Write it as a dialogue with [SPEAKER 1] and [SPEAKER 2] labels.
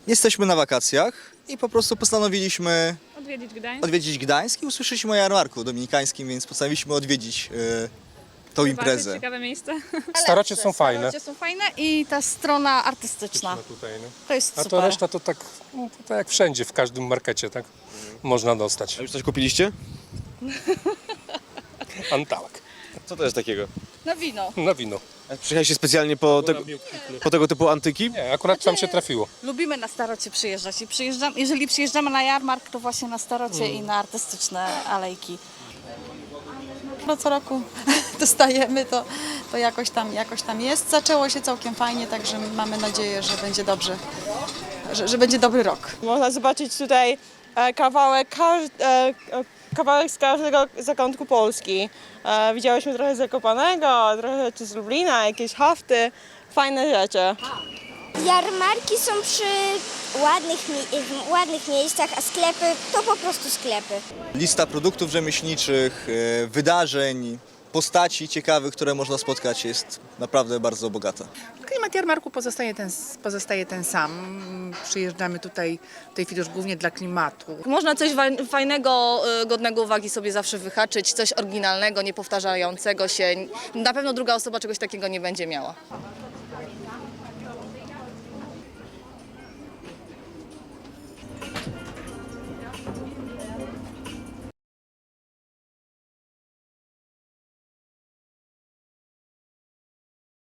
[SPEAKER 1] Jesteśmy na wakacjach i po prostu postanowiliśmy
[SPEAKER 2] Odwiedzić
[SPEAKER 1] Gdańsk i usłyszeliśmy o jarmarku dominikańskim, więc postanowiliśmy odwiedzić tą imprezę.
[SPEAKER 2] Ciekawe miejsce.
[SPEAKER 3] Starocie są fajne.
[SPEAKER 4] Starocie są fajne i ta strona artystyczna.
[SPEAKER 3] Tutaj, no.
[SPEAKER 4] To jest
[SPEAKER 3] A
[SPEAKER 4] super.
[SPEAKER 3] to reszta to tak, no, to tak jak wszędzie, w każdym markecie, tak? Można dostać.
[SPEAKER 5] A już coś kupiliście?
[SPEAKER 3] Antałek
[SPEAKER 5] Co to jest takiego?
[SPEAKER 4] Na wino.
[SPEAKER 3] na wino.
[SPEAKER 5] Przyjechaliście specjalnie po tego typu antyki?
[SPEAKER 3] Nie, akurat tam się trafiło.
[SPEAKER 4] Lubimy na Starocie przyjeżdżać i jeżeli przyjeżdżamy na jarmark, to właśnie na Starocie i na artystyczne alejki. No co roku dostajemy, to jakoś tam jest. Zaczęło się całkiem fajnie, także mamy nadzieję, że będzie dobrze, że będzie dobry rok.
[SPEAKER 6] Można zobaczyć tutaj kawałek z każdego zakątku Polski. Widziałyśmy trochę z Zakopanego, trochę rzeczy z Lublina, jakieś hafty, fajne rzeczy.
[SPEAKER 7] Jarmarki są przy ładnych miejscach, a sklepy to po prostu sklepy.
[SPEAKER 1] Lista produktów rzemieślniczych, wydarzeń, postaci ciekawych, które można spotkać, jest naprawdę bardzo bogata.
[SPEAKER 8] Klimat jarmarku pozostaje ten sam. Przyjeżdżamy tutaj w tej chwili już głównie dla klimatu.
[SPEAKER 9] Można coś fajnego, godnego uwagi sobie zawsze wyhaczyć, coś oryginalnego, niepowtarzającego się. Na pewno druga osoba czegoś takiego nie będzie miała.